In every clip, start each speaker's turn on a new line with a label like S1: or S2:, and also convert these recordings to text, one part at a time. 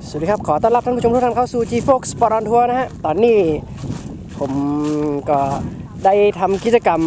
S1: สวัสดีครับขอต้อนรับท่านผู้ชมทุกท่านเข้าสู่ G-Fox Sport on Tour นะฮะตอนนี้ผมก็ได้ทำกิจกรรม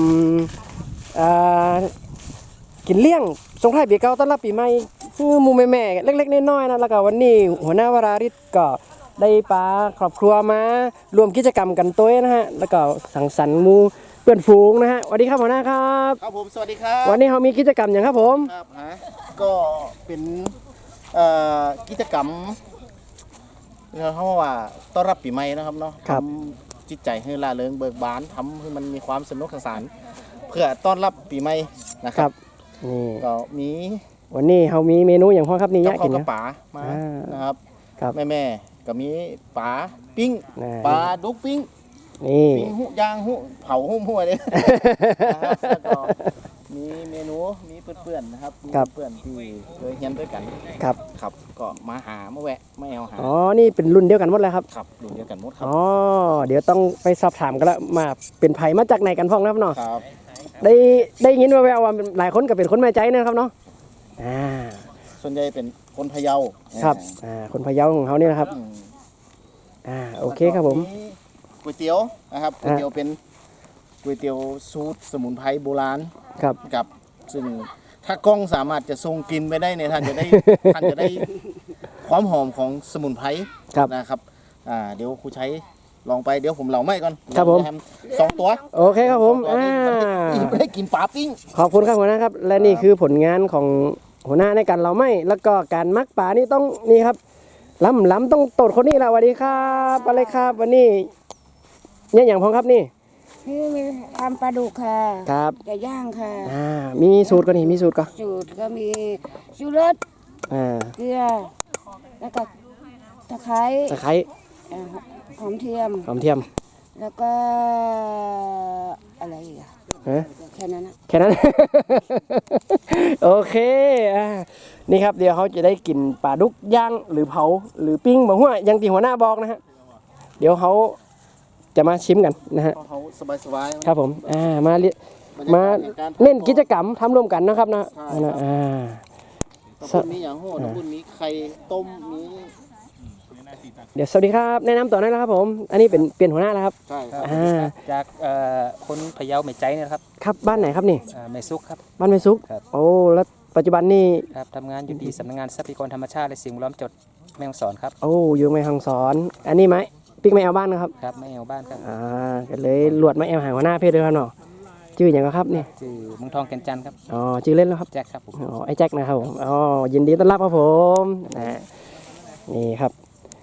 S1: กินเลี้ยงส่งท้ายปีเก่าต้อนรับปีใหม่หมู่แม่ๆเล็กๆน้อยๆนะแล้วก็วันนี้หัวหน้าวราริศก็ได้พาครอบครัวมารวมกิจกรรมกันตัวนะฮะแล้วก็สังสรรค์หมู่เพื่อนฝูงนะฮะสวัสดีครับหัวหน้าครับ
S2: ครับผมสวัสดีครับ
S1: วันนี้เรามีกิจกรรมอย่างครับผม
S2: ครับก็เป็นกิจกรรมเขาว่าต้อนรับปีใหม่นะครับเนาะทำจิตใจให้ร่าเริงเบิกบานทำให้มันมีความสนุกสนานเพื่อต้อนรับปีใหม่นะครับ
S1: นี่
S2: ก็มี
S1: วันนี้เรามีเมนูอย่างพ่อครับนี่ยะกินนะ
S2: ป๋ามานะครับแม่ก็มีป๋าปิ้งปลาดุกปิ้ง
S1: นี่
S2: ปิ้งหุย่างหุเผาหุ่มหัวเลยแล้วก็มีเมนูมีเพื่อนๆนะครับมีเพื่อนที่เคยเรียนด้วยกันครับก็มาหามาแวะไม่เอาหา
S1: อ๋อนี่เป็นรุ่นเดียวกันหมดเลยครับ
S2: ครับรุ่นเดียวกันหมดครับ
S1: อ๋อเดี๋ยวต้องไปสอบถามกันแล้วมาเป็นไผ่มาจากไหนกันพ่องนะครับเนาะ
S2: ครับ
S1: ได้ยินแววๆว่าหลายคนก็เป็นคนแม่ใจนะครับเนาะ
S2: ส่วนใหญ่เป็นคนพะเยา
S1: ครับคนพะเยาของเขาเนี่ยนะครับโอเคครับผม
S2: ก๋วยเตี๋ยวนะครับก๋วยเตี๋ยวเป็นก๋วยเตี๋ยวสูตรสมุนไพรโบราณกับซึ่งถ้ากล้องสามารถจะทรงกลิ่นไปได้เนี่ยท่านจะได้ความหอมของสมุนไพรนะครับเดี๋ยวครูใช้ลองไปเดี๋ยวผมเหล่าไม่ก่อน
S1: ครับผม
S2: 2 ตัว
S1: โอเคครับผม
S2: ได้กินปลาปิ้ง
S1: ขอบคุณครับหัวหน้าครับและนี่คือผลงานของหัวหน้าในการเหล่าไม่แล้วก็การมักปลานี่ต้องนี่ครับล้ำต้องตดคนนี้ละสวัสดีครับอะไรครับวันนี้เนี่ยอย่างพ้องครับนี่
S3: มีทำปลาดุกค่ะ
S1: ครับ
S3: ไก่ย่างค่ะ
S1: มีสูตรก็นี่มีสูตรก็
S3: สูตรก็มีชูรสเกลือแล้วก็ตะไคร้หอมเทียมแล้วก็อะไรอีกแค่นั้น
S1: โอเคนี่ครับเดี๋ยวเขาจะได้กินปลาดุกย่างหรือเผาหรือปิ้งบอกว่ายังตีหัวหน้าบอกนะฮะเดี๋ยวเขาจะมาชิมกันนะฮะ
S2: เขาสบายๆ
S1: ครับผมมาเล่นกิจกรรมทำร่วมกันนะครับนะ
S2: ตะบุญมีอย่างโหดตะบุญมีไข่ต้มมี
S1: เดี๋ยวสวัสดีครับแนะนำตัวได้แล้วครับผมอันนี้เป็นหัวหน้าแล้วครับ
S2: ใช่ครับ
S4: จากคนพะเยาแม่ใจเนี่ยครับ
S1: ครับบ้านไหนครับนี่
S4: แม่ซุกครับ
S1: บ้านแม่ซุกโอ้แล้วปัจจุบันนี่
S4: ครับทำงานอยู่ที่สำนักงานทรัพยากรธรรมชาติและสิ่งแวดล้อมจังหวัดแม่ฮ่องสอนครับ
S1: โอ้อยู่แม่ฮ่องสอนอันนี้ไหมปิ๊กไม่เอาบ้านนะครับ
S4: ครับไม่เอาบ้านครับ
S1: ก็เลยหลวดมาเอาหางหัวหน้าเพศด้วยครับเนาะชื่ออย่างไรครับนี่
S4: ชื่อเมืองทองแก่นจันทร์ครับ
S1: ชื่อเล่นแล้วครับ
S4: แจ็คครับผม
S1: ไอ้แจ็คนะครับผมยินดีต้อนรับครับผมนี่ครับ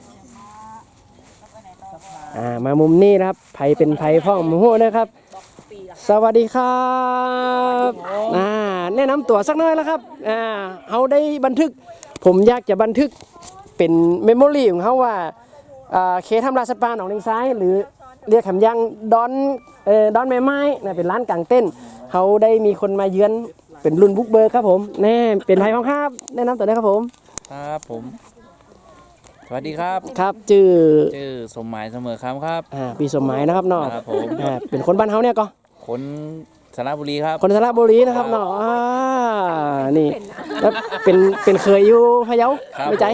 S1: มามุมนี้นะครับไผ่เป็นไผ่พ่องหมูนะครับสวัสดีครับแนะนำตัวสักหน่อยแล้วครับเขาได้บันทึกผมอยากจะบันทึกเป็นเมมโมรี่ของเขาว่าเคทำลาสัตว์ป่าหนองเลงซ้ายหรือเรียกคำยังดอนแม่ไม้เป็นร้านกางเต้นเขาได้มีคนมาเยือนเป็นรุ่นบุกเบิร์ครับผมแน่เป็นไผ่พ่องครับแนะนำตัวได้ครับผม
S5: ครับผมสวัสดีครับ
S1: ครับชื่อ
S5: สมหมายเสมอครับ
S1: พี่สมหมายนะครับเนาะ
S5: ครับผม
S1: เป็นคนบ้านเฮาเนี่ยก็
S5: คนสระบุรีครับ
S1: คนสระบุรีนะครับเนาะนี่แล้วเป็นเคยอยู่พะเยาไม่ใจ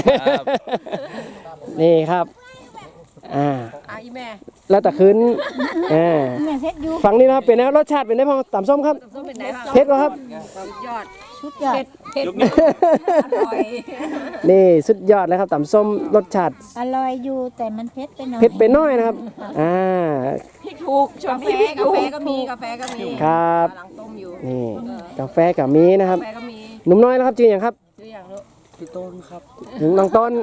S1: นี่ครับ
S3: อีแม่
S1: แล้วแต่คืนฝั่งนี้นะครับเป็นไงรสชาติเป็นไงพ่อตำส้มครับเผ็ดก็ครับ
S3: ยอดชุดยอดเผ็ด
S1: นี่สุดยอดเลยครับตำส้มรสชาติ
S3: อร่อยอยู่แต่มันเผ็ดไปหน่อย
S1: นะครับ
S3: พริกถูกช่วงนี้กาแฟก็มี
S1: ครับ
S3: กำลังต้มอยู่
S1: นี่กาแฟกับมีนะครับหนุ่มน้อยแล้วครับชื่ออย่างครับ
S3: ชื่ออย่างลูก
S5: พี่ต้นครับ
S1: น้องต้น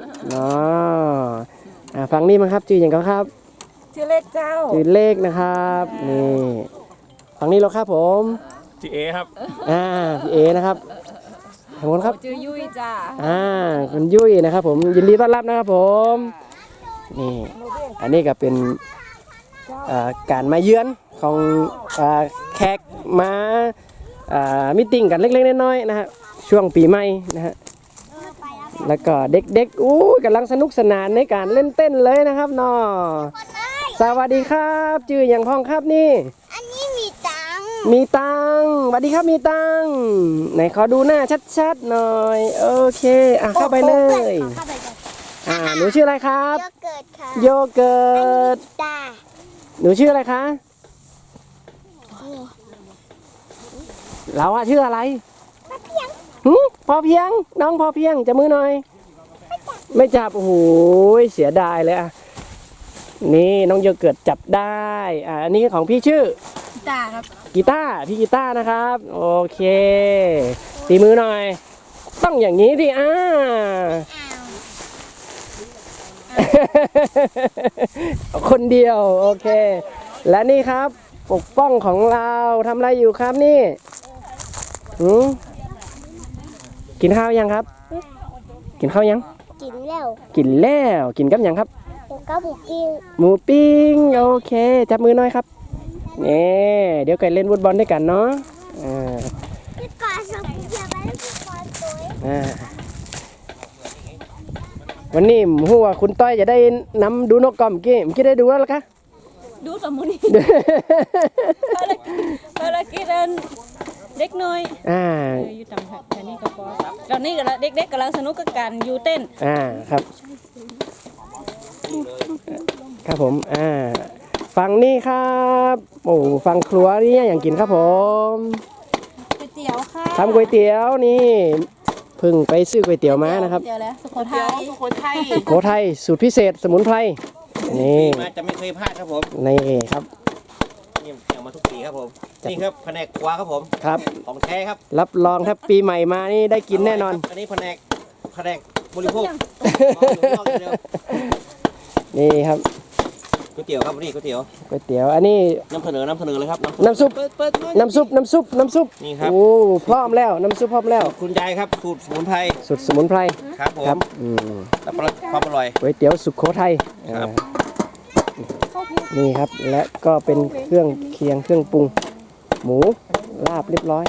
S1: ฟังนี่มั้งครับชื่ออย่างครับ
S3: ชื่อเล็กเจ้า
S1: ชื่อเล็กนะครับนี่ฟังนี่แล้วครับผม
S5: พี่เอครับ
S1: พี่เอนะครับขอบคุณครับ
S3: ชื่อยุ้ยจ้า
S1: คุณยุ้ยนะครับผมยินดีต้อนรับนะครับผมนี่อันนี้ก็เป็นการมาเยือนของแขกมามิติ้งกันเล็กๆน้อยๆนะฮะช่วงปีใหม่นะฮะแล้วก็เด็กๆกำลังสนุกสนานในการเล่นเต้นเลยนะครับเนาะสวัสดีครับชื่ออย่างพ้องครับนี่
S6: อันนี้มีตัง
S1: สวัสดีครับมีตังไหนขอดูหน้าชัดๆหน่อยโอเคเข้าไปเลยหนูชื่ออะไรครับ
S6: โยเกิร์ตค่ะ
S1: โยเกิร์ต
S6: ตา
S1: หนูชื่ออะไรคะเราอะชื่ออะไรพอเพียงน้องพอเพียงจะมือหน่อย ไม่จับโอ้โหเสียดายเลยอะนี่น้องโยเกิร์ตจับได้อันนี้ของพี่ชื่อ
S3: ตาครับ
S1: กีตาร์พี่กีตาร์นะครับโอเคตีมือหน่อย ต้องอย่างนี้ดิคนเดียวโอเค และนี่ครับปกป้องของเราทำอะไรอยู่ครับนี่กินข้าวยังครับ กินข้าวยัง
S6: กินแล้ว
S1: กินแล้วกินกับยังครับ
S6: ก็หมูกิ้ง
S1: หมูปิ้งโอเคจับมือหน่อยครับนี่เดี๋ยวกันเล่นฟุตบอลด้วยกันเนาะ
S6: พี่กอดสมเกียรติแล้วพี่กอดตัว
S1: วันนี้หัวคุณต้อยจะได้นำดูนกกอมเมื่อกี้ได้ดูแล้วล่ะคะ
S7: ดูสมุนีภารกิจเด็กน้อยอยู่ต่างแถวนี้ก็พอตอนนี้ก็เด็กๆกำลังสนุกกับการอยู่เต้น
S1: ครับครับผมฝั่งนี้ครับโอ้ฝั่งครัวนี่อย่างกินครับผม
S7: ก๋วยเตี๋ยวค่ะ
S1: ทำก๋วยเตี๋ยวนี่เพิ่งไปซื้อก๋วยเตี๋ยวมานะครับ
S7: เตี๋ยวแล้วสุโขทัย
S1: สุโขทัยสูตรพิเศษสมุนไพรนี่
S2: มาจะไม่เคยพลาดครับผม
S1: นี่ครับ
S2: นี่เอามาทุกปีครับผมนี่ครับแผนกครัวครับผม
S1: ครับ
S2: ของแท้ครับ
S1: รับรองถ้าปีใหม่มานี่ได้กินแน่นอน
S2: อันนี้แผนกบริโภค
S1: นี่ครับ
S2: ก๋วยเตี๋ยวครับนี่ก๋วยเตี๋ยว
S1: อันนี้
S2: นำเสนอเลยครับ
S1: น้ำซุป
S2: นี่ครับ
S1: โอ้พร้อมแล้วน้ำซุปพร้อมแล้ว
S2: คุณยายครับสูตรสมุนไพรครับผมแล้วความอร่อย
S1: ก๋วยเตี๋ยวสุโขทัยนี่ครับและก็เป็นเครื่องเคียงเครื่องปรุงหมูลาบเรียบร้อย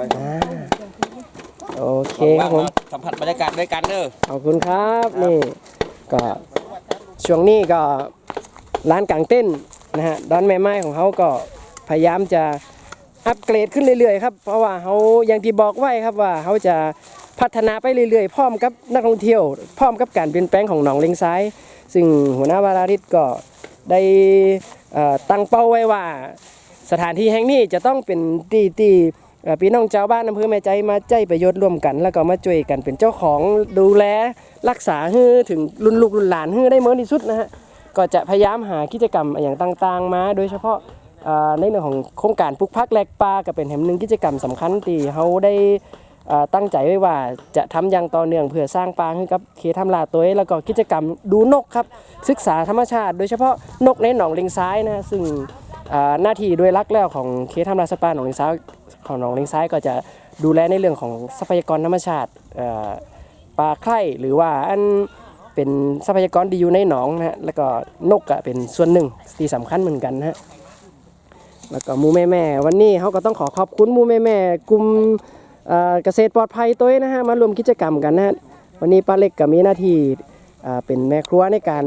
S1: โอเคครับผม
S2: สัมผัสบรรยากาศด้วยกันเด้อ
S1: ขอบคุณครับนี่ก็ช่วงนี้ก็ร้านกางเต้นนะฮะดอนแม่ไม้ของเขาก็พยายามจะอัปเกรดขึ้นเรื่อยๆครับเพราะว่าเขาอย่างที่บอกไว้ครับว่าเขาจะพัฒนาไปเรื่อยๆพร้อมกับนักท่องเที่ยวพร้อมกับการเปลี่ยนแปลงของหนองเลงซ้ายซึ่งหัวหน้าวาราริศก็ได้ตั้งเป้าไว้ว่าสถานที่แห่งนี้จะต้องเป็นที่พี่น้องชาวบ้านอำเภอแม่ใจมาใจประโยชน์ร่วมกันแล้วก็มาช่วยกันเป็นเจ้าของดูแลรักษาให้ถึงรุ่นลูกรุ่นหลานให้ได้เมื่อที่สุดนะฮะก็จะพยายามหากิจกรรมอย่างต่างๆมาโดยเฉพาะในเรื่องของโครงการปลูกผักแลกปลาก็เป็นแห่งหนึ่งกิจกรรมสำคัญที่เขาได้ตั้งใจไว้ว่าจะทำอย่างต่อเนื่องเพื่อสร้างปลาให้กับเขตทำลาตัวแล้วก็กิจกรรมดูนกครับศึกษาธรรมชาติโดยเฉพาะนกในหนองเลงซ้ายนะซึ่งหน้าที่โดยหลักแล้วของเขตทำลาสปาหนองเลงซ้ายของหนองเลงซ้ายก็จะดูแลในเรื่องของทรัพยากรธรรมชาติปลาไข่หรือว่าอันเป็นทรัพยากรที่อยู่ในหนองนะฮะแล้วก็นกเป็นส่วนหนึ่งที่สำคัญเหมือนกันนะฮะแล้วก็มูแม่วันนี้เขาก็ต้องขอบคุณมูแม่กลุ่มเกษตรปลอดภัยตัวนะฮะมารวมกิจกรรมกันนะฮะวันนี้ป้าเล็กก็มีหน้าที่เป็นแม่ครัวในการ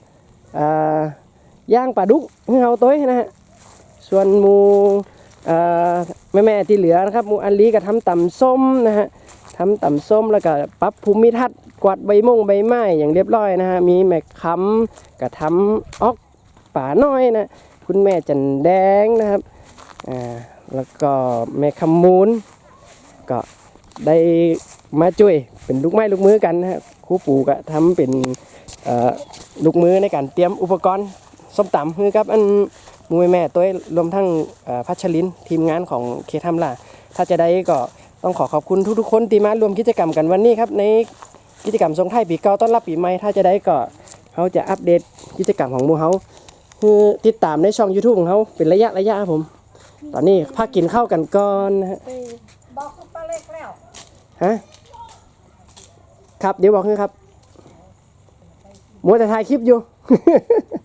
S1: ย่างปลาดุกให้เขาตัวนะฮะส่วนมูแม่ที่เหลือนะครับมูอันลีก็ทำตำส้มนะฮะทำตำส้มแล้วก็ปรับภูมิทัศน์กวาดใบไม้อย่างเรียบร้อยนะฮะมีแม่คำก็ทำออกป่าน้อยนะคุณแม่จันแดงนะครับแล้วก็แม่คำมูลก็ได้มาช่วยเป็นลูกไม้ลูกมือกันนะฮะครูปู่ก็ทำเป็นลูกมือในการเตรียมอุปกรณ์ส้มตำคือครับอันมูแม่ตัวรวมทั้งพัชรินทีมงานของเคทำล่ะถ้าจะได้ก็ต้องขอบคุณทุกๆคนที่มารวมกิจกรรมกันวันนี้ครับในกิจกรรมส่งท้ายปีเก่าต้อนรับปีใหม่ถ้าจะได้ก็เขาจะอัปเดตกิจกรรมของหมู่เขาคือติดตามในช่อง YouTube ของเขาเป็นระยะครับผมตอนนี้พักกินข้าวกันก่อนนะฮะ
S7: บอกคุณป้าเล็กแล้ว
S1: ฮะครับเดี๋ยวบอกให้ครับมัวแต่ถ่ายคลิปอยู่